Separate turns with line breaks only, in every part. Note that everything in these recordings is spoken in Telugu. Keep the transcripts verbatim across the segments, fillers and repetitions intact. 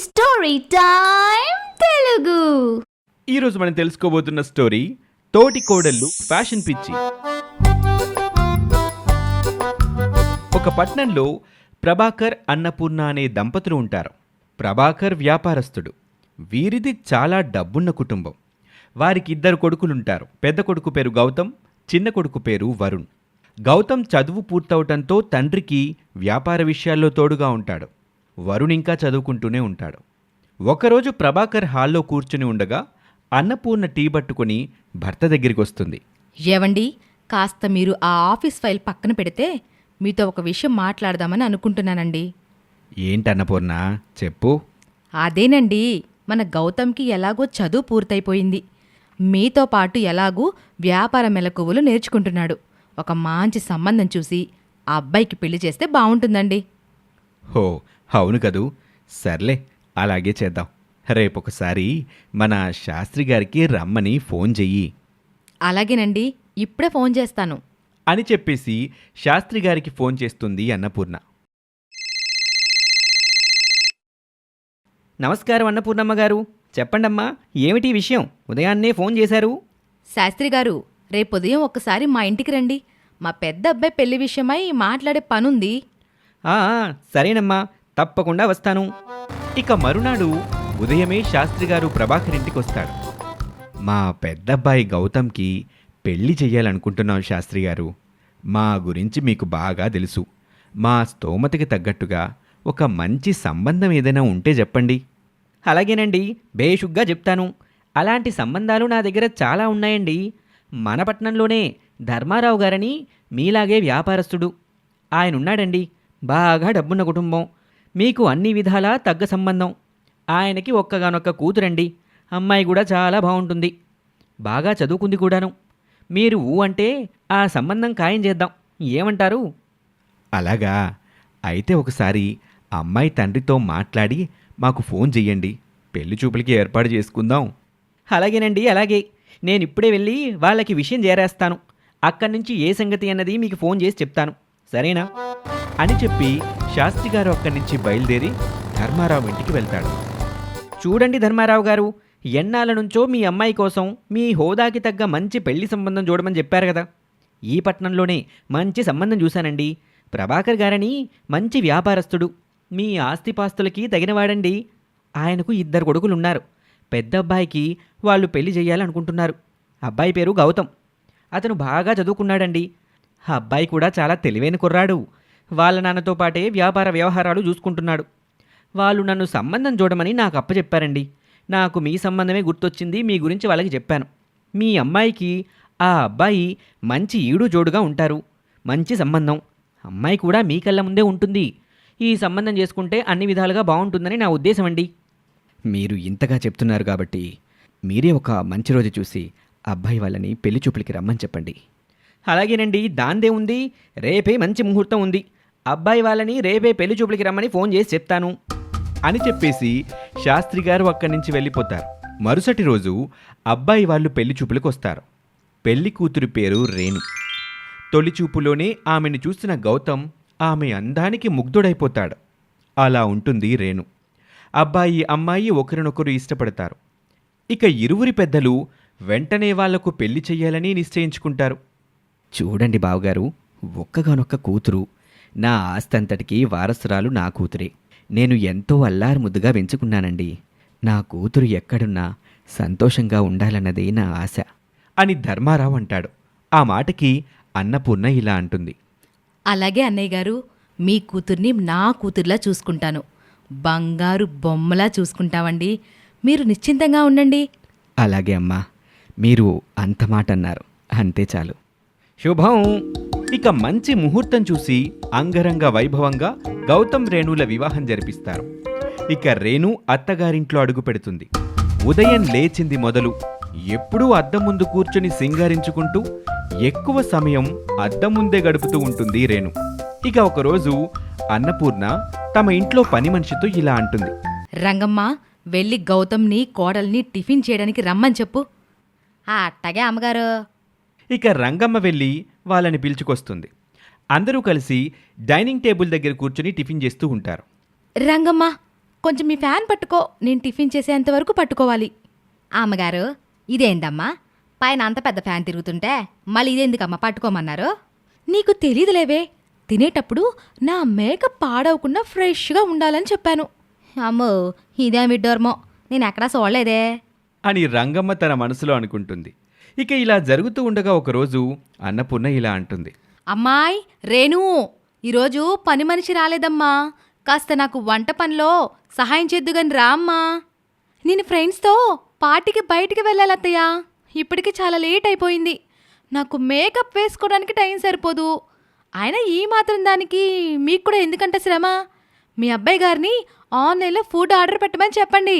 Story time Telugu.
ఈరోజు మనం తెలుసుకోబోతున్న స్టోరీ తోటి కోడళ్ళు ఫ్యాషన్ పిచ్చి. ఒక పట్నంలో ప్రభాకర్ అన్నపూర్ణ అనే దంపతులు ఉంటారు. ప్రభాకర్ వ్యాపారస్తుడు. వీరిది చాలా డబ్బున్న కుటుంబం. వారికి ఇద్దరు కొడుకులుంటారు. పెద్ద కొడుకు పేరు గౌతమ్, చిన్న కొడుకు పేరు వరుణ్. గౌతమ్ చదువు పూర్తవటంతో తండ్రికి వ్యాపార విషయాల్లో తోడుగా ఉంటాడు. వరుణ్ ఇంకా చదువుకుంటూనే ఉంటాడు. ఒకరోజు ప్రభాకర్ హాల్లో కూర్చుని ఉండగా అన్నపూర్ణ టీ పట్టుకుని భర్త దగ్గరికి వస్తుంది.
ఏవండి, కాస్త మీరు ఆ ఆఫీస్ ఫైల్ పక్కన పెడితే మీతో ఒక విషయం మాట్లాడదామని అనుకుంటున్నానండి.
ఏంటన్నపూర్ణ, చెప్పు.
అదేనండి, మన గౌతమ్కి ఎలాగో చదువు పూర్తయిపోయింది. మీతో పాటు ఎలాగూ వ్యాపార మెలకువలు నేర్చుకుంటున్నాడు. ఒక మంచి సంబంధం చూసి ఆ అబ్బాయికి పెళ్లి చేస్తే బావుంటుందండి.
హో, అవును కదూ. సర్లే, అలాగే చేద్దాం. రేపొకసారి మన శాస్త్రి గారికి రమ్మని ఫోన్ చెయ్యి.
అలాగేనండి, ఇప్పుడే ఫోన్ చేస్తాను
అని చెప్పేసి శాస్త్రి గారికి ఫోన్ చేస్తుంది అన్నపూర్ణ.
నమస్కారం అన్నపూర్ణమ్మ గారు. చెప్పండమ్మా, ఏమిటి విషయం? ఉదయాన్నే ఫోన్ చేశారు.
శాస్త్రి గారు, రేపుదయం ఒక్కసారి మా ఇంటికి రండి. మా పెద్ద అబ్బాయి పెళ్లి విషయమై మాట్లాడే పనుంది.
ఆ సరేనమ్మా, తప్పకుండా వస్తాను.
ఇక మరునాడు ఉదయమే శాస్త్రి గారు ప్రభాకర్ ఇంటికొస్తాడు. మా పెద్దబ్బాయి గౌతమ్కి పెళ్లి చెయ్యాలనుకుంటున్నాం శాస్త్రి గారు. మా గురించి మీకు బాగా తెలుసు. మా స్తోమతకి తగ్గట్టుగా ఒక మంచి సంబంధం ఏదైనా ఉంటే చెప్పండి.
అలాగేనండి, బేషుగ్గా చెప్తాను. అలాంటి సంబంధాలు నా దగ్గర చాలా ఉన్నాయండి. మన పట్నంలోనే ధర్మారావు గారని మీలాగే వ్యాపారస్తుడు ఆయనున్నాడండి. బాగా డబ్బున్న కుటుంబం. మీకు అన్ని విధాలా తగ్గ సంబంధం. ఆయనకి ఒక్కగానొక్క కూతురండి. అమ్మాయి కూడా చాలా బాగుంటుంది. బాగా చదువుకుంది కూడాను. మీరు ఊ అంటే ఆ సంబంధం ఖాయం చేద్దాం. ఏమంటారు?
అలాగా? అయితే ఒకసారి అమ్మాయి తండ్రితో మాట్లాడి మాకు ఫోన్ చెయ్యండి. పెళ్లి చూపులకి ఏర్పాటు చేసుకుందాం.
అలాగేనండి, అలాగే. నేనిప్పుడే వెళ్ళి వాళ్ళకి విషయం చేరేస్తాను. అక్కడి నుంచి ఏ సంగతి అన్నది మీకు ఫోన్ చేసి చెప్తాను. సరేనా?
అని చెప్పి శాస్త్రి గారు అక్కడి నుంచి బయలుదేరి ధర్మారావు ఇంటికి వెళ్తాడు.
చూడండి ధర్మారావు గారు, ఎన్నాళ్ళ నుంచో మీ అమ్మాయి కోసం మీ హోదాకి తగ్గ మంచి పెళ్లి సంబంధం చూడమని చెప్పారు కదా. ఈ పట్నంలోనే మంచి సంబంధం చూశానండి. ప్రభాకర్ గారని మంచి వ్యాపారస్తుడు. మీ ఆస్తిపాస్తులకి తగినవాడండి. ఆయనకు ఇద్దరు కొడుకులున్నారు. పెద్ద అబ్బాయికి వాళ్ళు పెళ్లి చేయాలనుకుంటున్నారు. అబ్బాయి పేరు గౌతమ్. అతను బాగా చదువుకున్నాడండి. ఆ అబ్బాయి కూడా చాలా తెలివైన కుర్రాడు. వాళ్ళ నాన్నతో పాటే వ్యాపార వ్యవహారాలు చూసుకుంటున్నాడు. వాళ్ళు నన్ను సంబంధం చూడమని నాకు అప్పచెప్పారండి. నాకు మీ సంబంధమే గుర్తొచ్చింది. మీ గురించి వాళ్ళకి చెప్పాను. మీ అమ్మాయికి ఆ అబ్బాయి మంచి ఈడు జోడుగా ఉంటారు. మంచి సంబంధం. అమ్మాయి కూడా మీ కళ్ళ ముందే ఉంటుంది. ఈ సంబంధం చేసుకుంటే అన్ని విధాలుగా బాగుంటుందని నా ఉద్దేశం అండి.
మీరు ఇంతగా చెప్తున్నారు కాబట్టి మీరే ఒక మంచి రోజు చూసి అబ్బాయి వాళ్ళని పెళ్లి చూపులకి రమ్మని చెప్పండి.
అలాగేనండి, దాందే ఉంది. రేపే మంచి ముహూర్తం ఉంది. అబ్బాయి వాళ్ళని రేపే పెళ్లి చూపులకి రమ్మని ఫోన్ చేసి చెప్తాను
అని చెప్పేసి శాస్త్రి గారు అక్కడి నుంచి వెళ్ళిపోతారు. మరుసటి రోజు అబ్బాయి వాళ్ళు పెళ్లి చూపులకు వస్తారు. పెళ్లి కూతురి పేరు రేణు. తొలి చూపులోనే ఆమెను చూసిన గౌతమ్ ఆమె అందానికి ముగ్ధుడైపోతాడు. అలా ఉంటుంది రేణు. అబ్బాయి అమ్మాయి ఒకరినొకరు ఇష్టపడతారు. ఇక ఇరువురి పెద్దలు వెంటనే వాళ్లకు పెళ్లి చెయ్యాలని నిశ్చయించుకుంటారు.
చూడండి బావగారు, ఒక్కగానొక్క కూతురు. నా ఆస్తంతటికి వారసురాలు నా కూతురే. నేను ఎంతో అల్లారు ముద్దుగా పెంచుకున్నానండి. నా కూతురు ఎక్కడున్నా సంతోషంగా ఉండాలన్నదే నా ఆశ
అని ధర్మారావు అంటాడు. ఆ మాటకి అన్నపూర్ణ ఇలా అంటుంది.
అలాగే అన్నయ్య గారు, మీ కూతుర్ని నా కూతుర్లా చూసుకుంటాను. బంగారు బొమ్మలా చూసుకుంటామండి. మీరు నిశ్చింతంగా ఉండండి.
అలాగే అమ్మా, మీరు అంత మాట అన్నారు, అంతే చాలు.
శుభం.
ఇక మంచి ముహూర్తం చూసి అంగరంగ వైభవంగా గౌతమ్ రేణుల వివాహం జరిపిస్తారు. ఇక రేణు అత్తగారింట్లో అడుగు పెడుతుంది. ఉదయం లేచింది మొదలు ఎప్పుడూ అద్దం ముందు కూర్చుని సింగారించుకుంటూ ఎక్కువ సమయం అద్దం ముందే గడుపుతూ ఉంటుంది రేణు. ఇక ఒకరోజు అన్నపూర్ణ తమ ఇంట్లో పని మనిషితో ఇలా అంటుంది.
రంగమ్మ, వెళ్ళి గౌతమ్ని కోడల్ని టిఫిన్ చేయడానికి రమ్మని చెప్పు. అట్టగే అమ్మగారు.
ఇక రంగమ్మ వెళ్ళి వాళ్ళని పిలుచుకొస్తుంది. అందరూ కలిసి డైనింగ్ టేబుల్ దగ్గర కూర్చుని టిఫిన్ చేస్తూ ఉంటారు.
రంగమ్మ, కొంచెం మీ ఫ్యాన్ పట్టుకో, నేను టిఫిన్ చేసేంత వరకు పట్టుకోవాలి. అమ్మగారు, ఇదేందమ్మా పైన అంత పెద్ద ఫ్యాన్ తిరుగుతుంటే మళ్ళీ ఇదేందుకమ్మా పట్టుకోమన్నారు? నీకు తెలీదులేవే, తినేటప్పుడు నా మేకప్ పాడవకుండా ఫ్రెష్గా ఉండాలని చెప్పాను. అమ్మో, ఇదేం విడ్డోర్మో, నేను ఎక్కడా చూడలేదే
అని రంగమ్మ తన మనసులో అనుకుంటుంది. ఇక ఇలా జరుగుతూ ఉండగా ఒకరోజు అన్నపూర్ణ ఇలా అంటుంది.
అమ్మాయ్ రేణు, ఈరోజు పని మనిషి రాలేదమ్మా, కాస్త నాకు వంట పనిలో సహాయం చేద్దుగాని రా అమ్మా. నేను ఫ్రెండ్స్తో పార్టీకి బయటికి వెళ్ళాలత్తయ్యా, ఇప్పటికి చాలా లేట్ అయిపోయింది. నాకు మేకప్ వేసుకోవడానికి టైం సరిపోదు. అయినా ఈ మాత్రం దానికి మీకు కూడా ఎందుకంటే శ్రమ? మీ అబ్బాయి గారిని ఆన్లైన్లో ఫుడ్ ఆర్డర్ పెట్టమని చెప్పండి.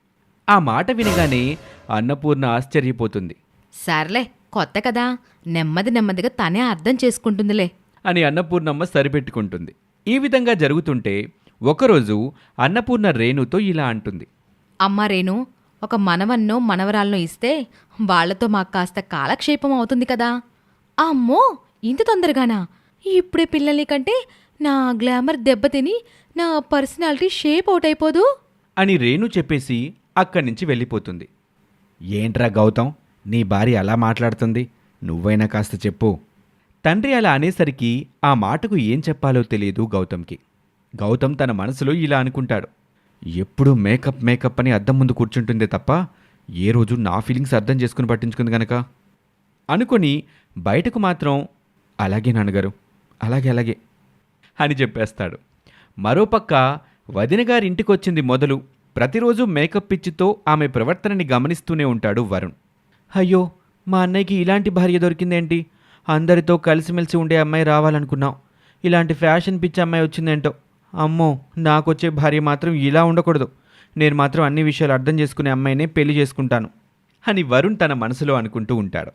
ఆ మాట వినగానే అన్నపూర్ణ ఆశ్చర్యపోతుంది.
సర్లే, కొత్త కదా, నెమ్మది నెమ్మదిగా తనే అర్థం చేసుకుంటుందిలే
అని అన్నపూర్ణమ్మ సరిపెట్టుకుంటుంది. ఈ విధంగా జరుగుతుంటే ఒకరోజు అన్నపూర్ణ రేణుతో ఇలా అంటుంది.
అమ్మా రేణు, ఒక మనవన్నో మనవరాలను ఇస్తే వాళ్లతో మాకు కాస్త కాలక్షేపం అవుతుంది కదా. అమ్మో, ఇంత తొందరగానా? ఇప్పుడే పిల్లల్ని కంటే నా గ్లామర్ దెబ్బతిని నా పర్సనాలిటీ షేప్ అవుట్ అయిపోదు
అని రేణు చెప్పేసి అక్కడి నుంచి వెళ్ళిపోతుంది.
ఏంట్రా గౌతమ్, నీ భార్య అలా మాట్లాడుతుంది, నువ్వైనా కాస్త చెప్పు.
తండ్రి అలా అనేసరికి ఆ మాటకు ఏం చెప్పాలో తెలియదు గౌతమ్కి. గౌతమ్ తన మనసులో ఇలా అనుకుంటాడు. ఎప్పుడూ మేకప్ మేకప్ అని అద్దం ముందు కూర్చుంటుందే తప్ప ఏ రోజు నా ఫీలింగ్స్ అర్థం చేసుకుని పట్టించుకుంది గనక అనుకొని బయటకు మాత్రం అలాగే నాన్నగారు, అలాగే అలాగే అని చెప్పేస్తాడు. మరోపక్క వదినగారి ఇంటికొచ్చింది మొదలు ప్రతిరోజు మేకప్ పిచ్చితో ఆమె ప్రవర్తనని గమనిస్తూనే ఉంటాడు వరుణ్. అయ్యో, మా అన్నయ్యకి ఇలాంటి భార్య దొరికిందేంటి? అందరితో కలిసిమెలిసి ఉండే అమ్మాయి రావాలనుకున్నాం, ఇలాంటి ఫ్యాషన్ పిచ్చి అమ్మాయి వచ్చిందేంటో. అమ్మో, నాకొచ్చే భార్య మాత్రం ఇలా ఉండకూడదు. నేను మాత్రం అన్ని విషయాలు అర్థం చేసుకునే అమ్మాయినే పెళ్లి చేసుకుంటాను అని వరుణ్ తన మనసులో అనుకుంటూ ఉంటాడు.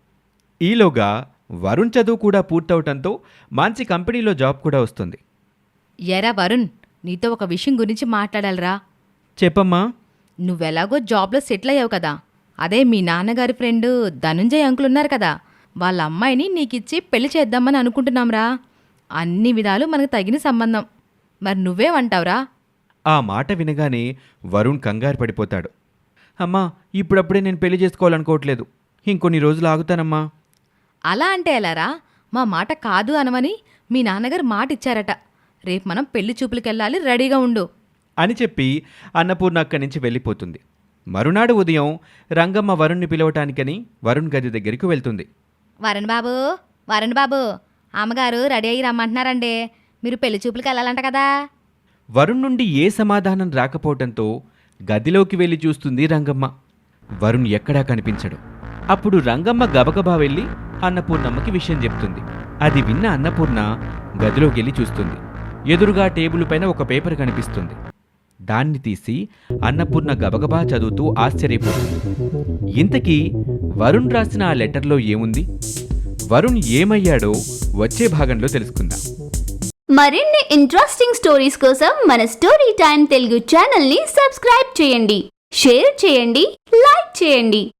ఈలోగా వరుణ్ చదువు కూడా పూర్తవటంతో మంచి కంపెనీలో జాబ్ కూడా వస్తుంది.
ఎరా వరుణ్, నీతో ఒక విషయం గురించి మాట్లాడాలిరా.
చెప్పమ్మా.
నువ్వెలాగో జాబ్లో సెటిల్ అయ్యావు కదా, అదే మీ నాన్నగారి ఫ్రెండ్ ధనుంజయ్ అంకుల్ ఉన్నారు కదా, వాళ్ళ అమ్మాయిని నీకిచ్చి పెళ్లి చేద్దామని అనుకుంటున్నాంరా. అన్ని విధాలు మనకు తగిన సంబంధం. మరి నువ్వేమంటావురా?
ఆ మాట వినగానే వరుణ్ కంగారు పడిపోతాడు. అమ్మా, ఇప్పుడప్పుడే నేను పెళ్లి చేసుకోవాలనుకోవట్లేదు, ఇంకొన్ని రోజులు ఆగుతానమ్మా.
అలా అంటే ఎలారా? మా మాట కాదు అనమని మీ నాన్నగారు మాట ఇచ్చారట. రేపు మనం పెళ్లి చూపులకెళ్ళాలి, రెడీగా ఉండు
అని చెప్పి అన్నపూర్ణ అక్కడి నుంచి వెళ్ళిపోతుంది. మరునాడు ఉదయం రంగమ్మ వరుణ్ణి పిలవటానికని వరుణ్ గది దగ్గరికి వెళ్తుంది.
వరుణ్ బాబు, వరుణ్ బాబు, అమ్మగారు రెడీ అయ్యి రమ్మంటున్నారండి, మీరు పెళ్లి చూపులకి వెళ్ళాలంట కదా.
వరుణ్ నుండి ఏ సమాధానం రాకపోవటంతో గదిలోకి వెళ్ళి చూస్తుంది రంగమ్మ. వరుణ్ ఎక్కడా కనిపించడు. అప్పుడు రంగమ్మ గబగబా వెళ్ళి అన్నపూర్ణమ్మకి విషయం చెప్తుంది. అది విన్న అన్నపూర్ణ గదిలోకి వెళ్ళి చూస్తుంది. ఎదురుగా టేబుల్ పైన ఒక పేపర్ కనిపిస్తుంది. దాన్ని తీసి అన్నపూర్ణ గబగబా చదువుతూ ఆశ్చర్యపోతుంది. ఇంతకీ వరుణ్ రాసిన ఆ లెటర్లో ఏముంది? వరుణ్ ఏమయ్యాడో వచ్చే భాగంలో తెలుసుకుందాం.
మరిన్ని ఇంట్రెస్టింగ్ స్టోరీస్ కోసం మన స్టోరీ టైం తెలుగు ఛానల్ని సబ్స్క్రైబ్ చేయండి, షేర్ చేయండి, లైక్ చేయండి.